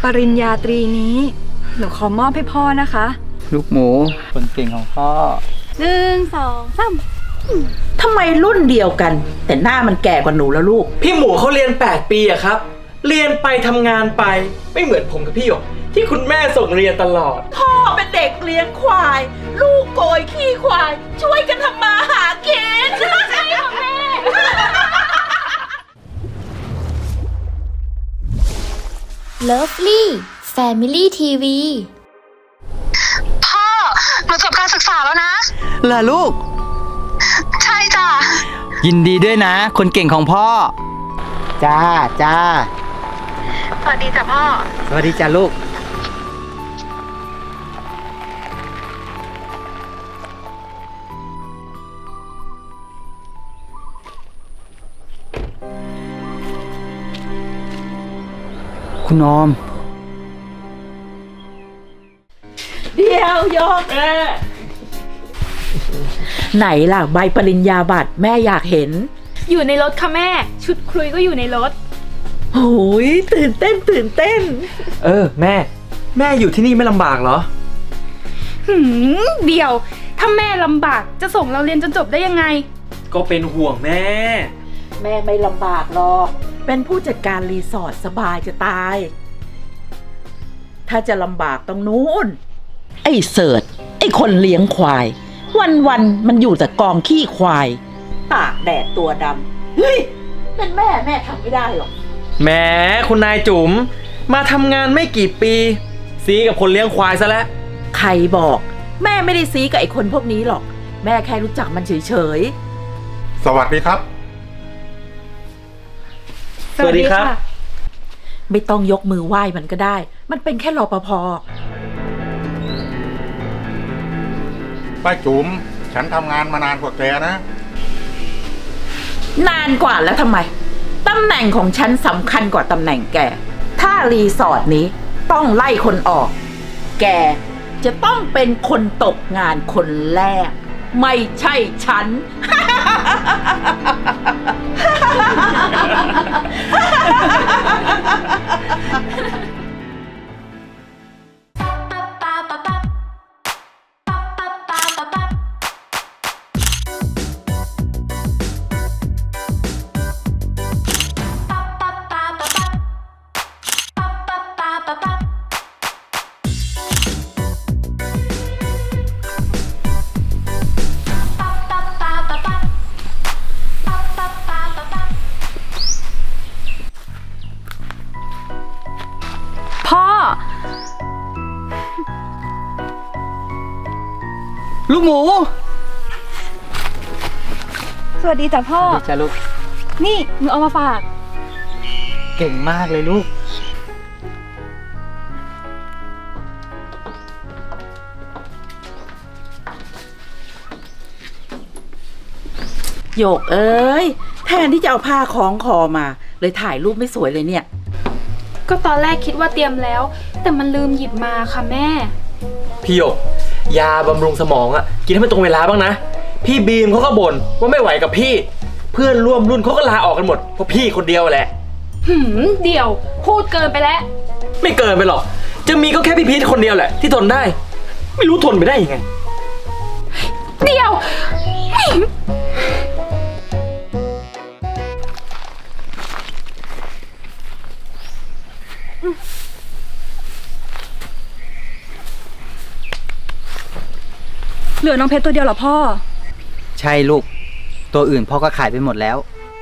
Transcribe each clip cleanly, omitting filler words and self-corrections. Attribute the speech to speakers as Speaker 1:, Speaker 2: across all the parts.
Speaker 1: ริญญาตรีนี้หนูขอมอบให้พ่อนะคะ
Speaker 2: ลูกหมูคนเก่งของพ่อ
Speaker 1: 1 2 3
Speaker 3: ทำไมรุ่นเดียวกัน แต่หน้ามันแก่กว่าหนูแล้วลูก
Speaker 4: พี่หมูเขาเรียน8 ปีอะครับ เรียนไปทำงานไปไม่เหมือนผมกับพี่หยกที่คุณแม่ส่งเรียนตลอด
Speaker 3: พ่อเป็นเด็กเลี้ยงควาย ลูกโกยขี้ควาย ช่วยกันทำมาหากินใช่ค่ะแม่
Speaker 5: Lovely Family TV
Speaker 6: พ่อ หนูจบการศึกษาแล้วนะ
Speaker 2: ล่ะลูก
Speaker 6: ใช่จ้ะ
Speaker 2: ยินดีด้วยนะ คนเก่งของพ่อ จ้าจ้า
Speaker 6: สวัสดีจ้ะพ่อ
Speaker 2: สวัสดีจ้าลูก คุณออม
Speaker 3: เดี๋ยวยกไหนล่ะใบปริญญาบัตรแม่อยากเห็น
Speaker 1: อยู่ในรถค่ะแม่ ชุดคุยก็อยู่ในรถ
Speaker 3: โอ้ยตื่นเต้นตื่นเต้น
Speaker 4: แม่อยู่ที่นี่ไม่ลำบากเหรอ
Speaker 1: เดี๋ยว ถ้าแม่ลำบากจะส่งเราเรียนจนจบได้ยังไง
Speaker 4: ก็เป็นห่วงแม่
Speaker 3: แม่ไม่ลำบากหรอก เป็นผู้จัดการรีสอร์ทสบายจะตาย ถ้าจะลำบากต้องนู้น ไอ้เสิร์ชไอ้คนเลี้ยงควาย วันมันอยู่แต่กองขี้ควาย ตากแดดตัวดำ เฮ้ย เป็นแม่ทำไม่ได้หรอก
Speaker 4: แหมคุณนายจุ๋มมาทำงานไม่กี่ปีซีกับคนเลี้ยงควายซะแล้ว
Speaker 3: ใครบอก แม่ไม่ได้ซีกับไอ้คนพวกนี้หรอก แม่แค่รู้จักมันเฉย
Speaker 7: สวัสดีครับ
Speaker 4: สวัสดีครับ
Speaker 3: ๆ ไม่ต้องยกมือไหว้มันก็ได้ มันเป็นแค่รปภ
Speaker 7: ป้าจุ๋มฉันทำงานมานานกว่าแกนะ
Speaker 3: นานกว่าแล้วทำไม ตำแหน่งของฉันสำคัญกว่าตำแหน่งแก ถ้ารีสอร์ทนี้ต้องไล่คนออก แกจะต้องเป็นคนตกงานคนแรก ไม่ใช่ฉัน
Speaker 1: พ่อ
Speaker 2: ลูกหมู
Speaker 1: สวัสดีจ้ะพ่อ
Speaker 2: สวัสดีจ้าลูก
Speaker 1: นี่หนูเอามาฝาก
Speaker 2: เก่งมากเลยลูก
Speaker 3: โยกเอ้ย แทนที่จะเอาผ้าคล้องคอมา เลยถ่ายรูปไม่สวยเลยเนี่ย
Speaker 1: ก็ตอนแรกคิดว่าเตรียมแล้ว แต่มันลืมหยิบมาค่ะแม่
Speaker 4: พี่หยกยาบำรุงสมองอะกินให้มันตรงเวลาบ้างนะ พี่บีมเขาก็บ่นว่าไม่ไหวกับพี่ เพื่อนร่วมรุ่นเขาก็ลาออกกันหมดเพราะพี่คนเดียวแหละ
Speaker 1: เดี๋ยวพูดเกินไปแล้ว
Speaker 4: ไม่เกินไปหรอก จะมีก็แค่พี่พีทคนเดียวแหละที่ทนได้ ไม่รู้ทนไปได้ยังไง
Speaker 1: เดี๋ยว เหลือน้องเพชรตัวเดียวเหรอพ่อ
Speaker 2: ใช่ลูก ตัวอื่นพ่อก็ขายไปหมดแล้ว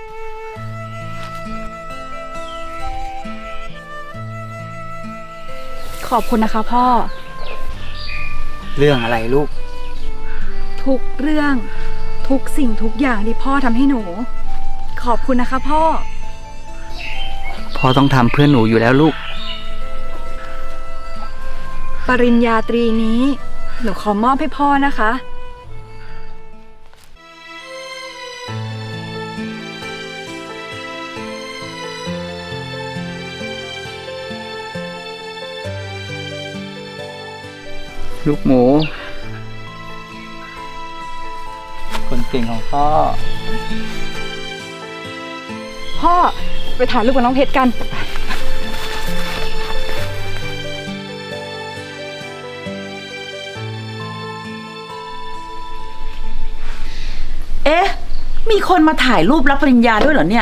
Speaker 1: ขอบคุณนะคะพ่อ
Speaker 2: เรื่องอะไรลูก
Speaker 1: ทุกเรื่อง ทุกสิ่งทุกอย่างที่พ่อทำให้หนู ขอบคุณนะคะพ่อ
Speaker 2: พ่อต้องทำเพื่อหนูอยู่แล้วลูก
Speaker 1: ปริญญาตรีนี้หนูขอมอบให้พ่อนะคะ
Speaker 2: ลูกหมู คนเก่งของพ่อ
Speaker 1: พ่อไปถ่ายรูปกับน้องเพชรกัน
Speaker 3: อ๊ะ มีคนมาถ่ายรูปรับปริญญาด้วยเหรอเนี่ย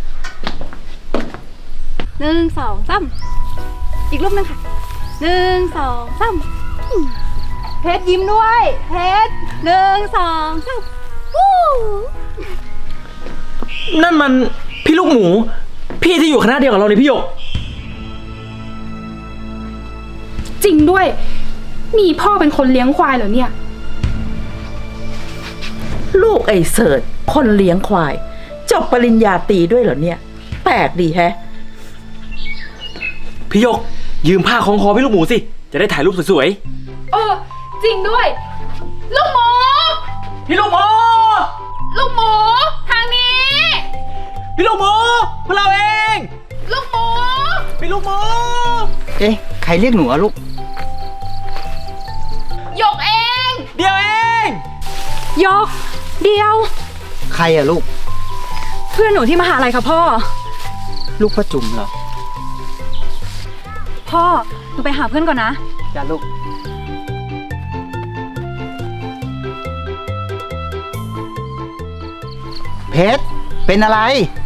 Speaker 1: 1 2 3อีกรูปหนึงค่ะ1 2 3เพชรยิ้มด้วยเพชร1 2 3วู้
Speaker 4: นั่นมันพี่ลูกหมู พี่ที่อยู่คณะเดียวกับเราเลยพี่หยก
Speaker 8: จริงด้วย มีพ่อเป็นคนเลี้ยงควายเหรอเนี่ย
Speaker 3: ลูกไอ้เสิร์ชคนเลี้ยงควาย จบปริญญาตรีด้วยเหรอเนี่ย แปลกดีแฮะ
Speaker 4: พี่หยก ยืมผ้าคล้องคอพี่ลูกหมูสิ จะได้ถ่ายรูปสวย
Speaker 8: เออ จริงด้วย ลูกหมู
Speaker 4: ๆ พี่ลูกหมู
Speaker 8: ลูกหมูทางนี้
Speaker 4: พี่ลูกหมูพวกเราเอง
Speaker 8: ลูกหมู
Speaker 4: พี่ลูกหมู
Speaker 2: เอ๊ะ ใครเรียกหนูอะลูก
Speaker 8: หยกเอง
Speaker 4: เดี๋ยวเอง
Speaker 1: ยกเดียว
Speaker 2: ใครอะลูก
Speaker 1: เพื่อนหนูที่มหาลัยค่ะพ่อ
Speaker 2: ลูกป้าจุ๋มเหรอ
Speaker 1: พ่อหนูไปหาเพื่อนก่อนนะ
Speaker 2: จ้าลูก เพชร เป็นอะไร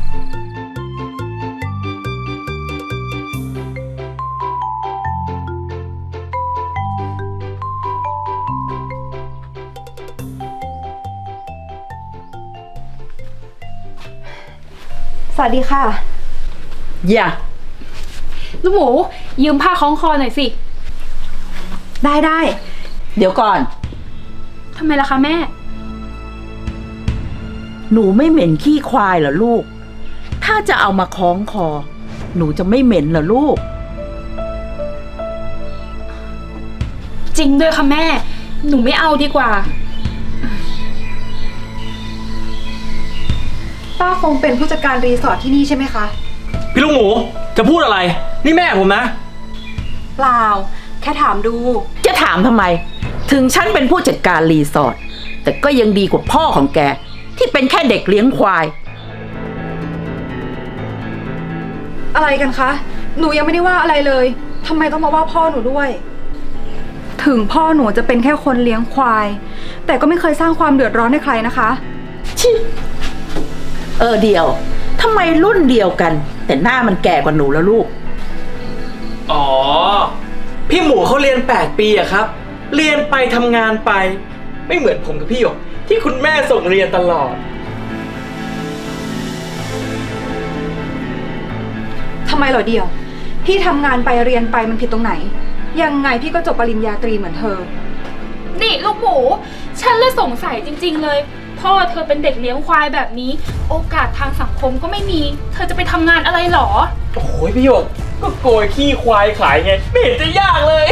Speaker 1: สวัสดีค่ะ
Speaker 3: อย่า
Speaker 8: ลูกหมู ยืมผ้าคล้องคอหน่อยสิ
Speaker 1: ได้
Speaker 3: เดี๋ยวก่อน
Speaker 8: ทำไมล่ะคะแม่
Speaker 3: หนูไม่เหม็นขี้ควายเหรอลูก ถ้าจะเอามาคล้องคอ หนูจะไม่เหม็นเหรอลูก
Speaker 8: จริงด้วยค่ะแม่ หนูไม่เอาดีกว่า
Speaker 1: ป้าคงเป็นผู้จัดการรีสอร์ทที่นี่ใช่ไหมคะ
Speaker 4: พี่ลูกหมู จะพูดอะไร นี่แม่ผมนะ
Speaker 1: เปล่า แค่ถามดู
Speaker 3: จะถามทำไม ถึงฉันเป็นผู้จัดการรีสอร์ทแต่ก็ยังดีกว่าพ่อของแก ที่เป็นแค่เด็กเลี้ยงควาย
Speaker 1: อะไรกันคะ หนูยังไม่ได้ว่าอะไรเลย ทำไมต้องมาว่าพ่อหนูด้วย ถึงพ่อหนูจะเป็นแค่คนเลี้ยงควาย แต่ก็ไม่เคยสร้างความเดือดร้อนให้ใครนะคะ
Speaker 3: ชิเดียวทำไมรุ่นเดียวกัน แต่หน้ามันแก่กว่าหนูแล้วลูก
Speaker 4: อ๋อ พี่หมูเขาเรียน8 ปีอะครับ เรียนไปทำงานไป ไม่เหมือนผมกับพี่หยก ที่คุณแม่ส่งเรียนตลอด
Speaker 1: ทำไมเหรอเดียว พี่ทำงานไปเรียนไปมันผิดตรงไหน ยังไงพี่ก็จบปริญญาตรีเหมือนเธอ
Speaker 8: นี่ลูกหมู ฉันเลยสงสัยจริงๆเลย พ่อเธอเป็นเด็กเลี้ยงควายแบบนี้ โอกาสทางสังคมก็ไม่มี เธอจะไปทำงานอะไรหรอ
Speaker 4: โอ้ยพี่หยก ก็โกยขี้ควายขายไง ไม่เห็นจะยากเลย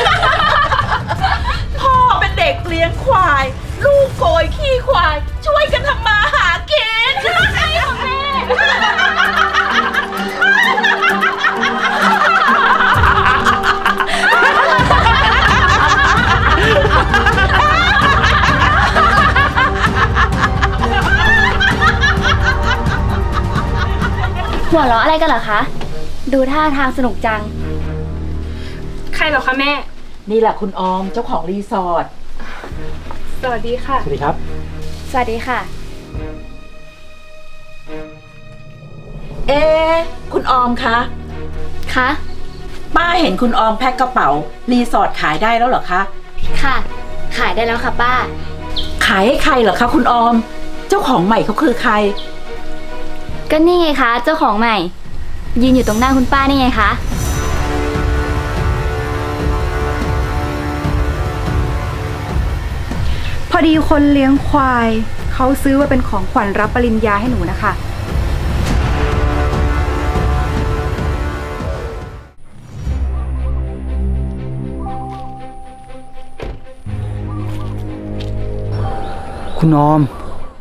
Speaker 3: พ่อเป็นเด็กเลี้ยงควาย ลูกโกยขี้ควาย ช่วยกันทำมาหากิน
Speaker 8: ใช่ค่ะแม่
Speaker 5: หัวเราะอะไรกันเหรอคะ ดูท่าทางสนุกจัง
Speaker 8: ใครเหรอคะแม่
Speaker 3: นี่แหละคุณออมเจ้าของรีสอร์ท
Speaker 8: สวัสดีค่ะ
Speaker 4: สวัสดีครับ
Speaker 5: สวัสดีค่ะ
Speaker 3: เอ๊ะคุณออมคะ
Speaker 5: คะ
Speaker 3: ป้าเห็นคุณออมแพ็คกระเป๋า รีสอร์ทขายได้แล้วเหรอคะ
Speaker 5: ค่ะ ขายได้แล้วค่ะป้า
Speaker 3: ขายให้ใครเหรอคะคุณออม เจ้าของใหม่เขาคือใคร
Speaker 5: ก็นี่ไงคะ เจ้าของใหม่ ยืนอยู่ตรงหน้าคุณป้านี่ไงคะ
Speaker 1: พอดีคนเลี้ยงควาย เขาซื้อมาเป็นของขวัญรับปริญญาให้หนูนะคะ
Speaker 2: คุณออม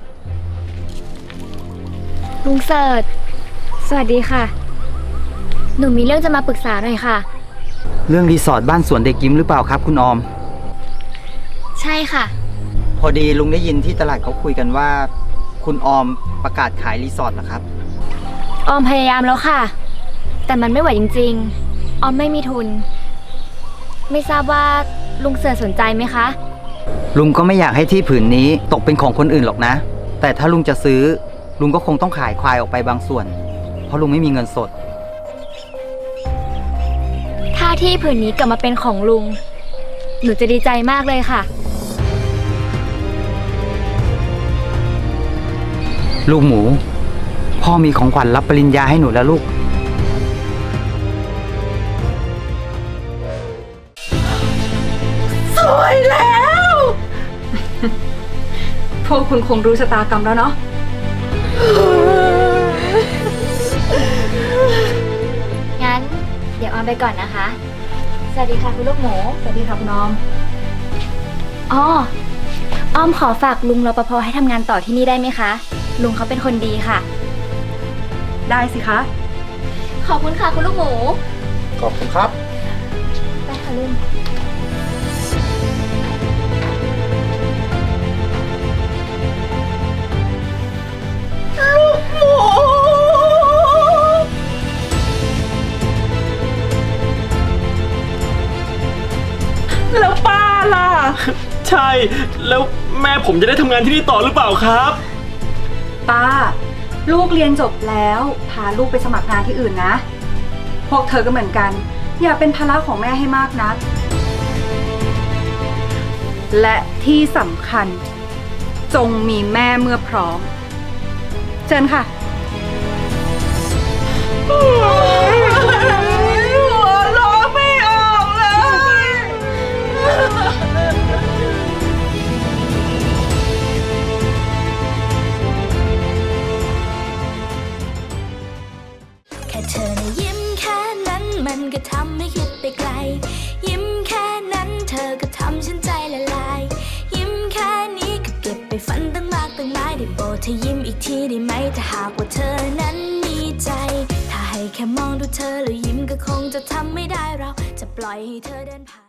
Speaker 5: ลุงเสิร์ชสวัสดีค่ะ หนูมีเรื่องจะมาปรึกษาหน่อยค่ะ
Speaker 2: เรื่องรีสอร์ทบ้านสวนเด็กยิ้มหรือเปล่าครับคุณออม
Speaker 5: ใช่ค่ะ
Speaker 2: พอดีลุงได้ยินที่ตลาดเขาคุยกันว่า คุณออมประกาศขายรีสอร์ทเหรอครับ
Speaker 5: ออมพยายามแล้วค่ะ แต่มันไม่ไหวจริงๆ ออมไม่มีทุน ไม่ทราบว่าลุงเสิร์ชสนใจไหมคะ
Speaker 2: ลุงก็ไม่อยากให้ที่ผืนนี้ตกเป็นของคนอื่นหรอกนะแต่ถ้าลุงจะซื้อ ลุงก็คงต้องขายควายออกไปบางส่วน เพราะลุงไม่มีเงินสด
Speaker 5: ถ้าที่ผืนนี้กลับมาเป็นของลุง หนูจะดีใจมากเลยค่ะ
Speaker 2: ลูกหมู พ่อมีของขวัญรับปริญญาให้หนูแล้วลูก
Speaker 3: สวยแล้ว
Speaker 1: พวกคุณคงรู้ชะตากรรมแล้วเนาะ
Speaker 5: งั้น เดี๋ยวออมไปก่อนนะคะ สวัสดีค่ะคุณลูกหมู
Speaker 1: สวัสดีค่ะคุณออม
Speaker 5: อ๋อออมขอฝากลุงรปภให้ทำงานต่อที่นี่ได้ไหมคะ ลุงเขาเป็นคนดีค่ะ
Speaker 1: ได้สิคะ
Speaker 5: ขอบคุณค่ะคุณลูกหมู
Speaker 7: ขอบคุณครับ
Speaker 5: ไปค่ะลุง
Speaker 3: แล้วป้าล่ะ
Speaker 4: ใช่ แล้วแม่ผมจะได้ทำงานที่นี่ต่อหรือเปล่าครับ
Speaker 1: ป้า ลูกเรียนจบแล้ว พาลูกไปสมัครงานที่อื่นนะ พวกเธอก็เหมือนกัน อย่าเป็นภาระของแม่ให้มากนัก และที่สำคัญ จงมีแม่เมื่อพร้อม เชิญค่ะ
Speaker 3: หัวเราะไม่ออกเลย
Speaker 9: แค่เธอนะยิ้มแค่นั้นมันก็ทำให้คิดไปไกล ยิ้มแค่นั้นเธอก็ทำฉันใจละลาย ยิ้มแค่นี้ก็เก็บไปฝันตั้งมากตั้งหลายได้โปรดเธอยิ้มอีกทีได้ไหมถ้าหากว่าเธอนั้นมีใจ ถ้าให้แค่มองดูเธอแล้วยิ้มก็คงจะทำไม่ได้เราจะปล่อยให้เธอเดินผ่าน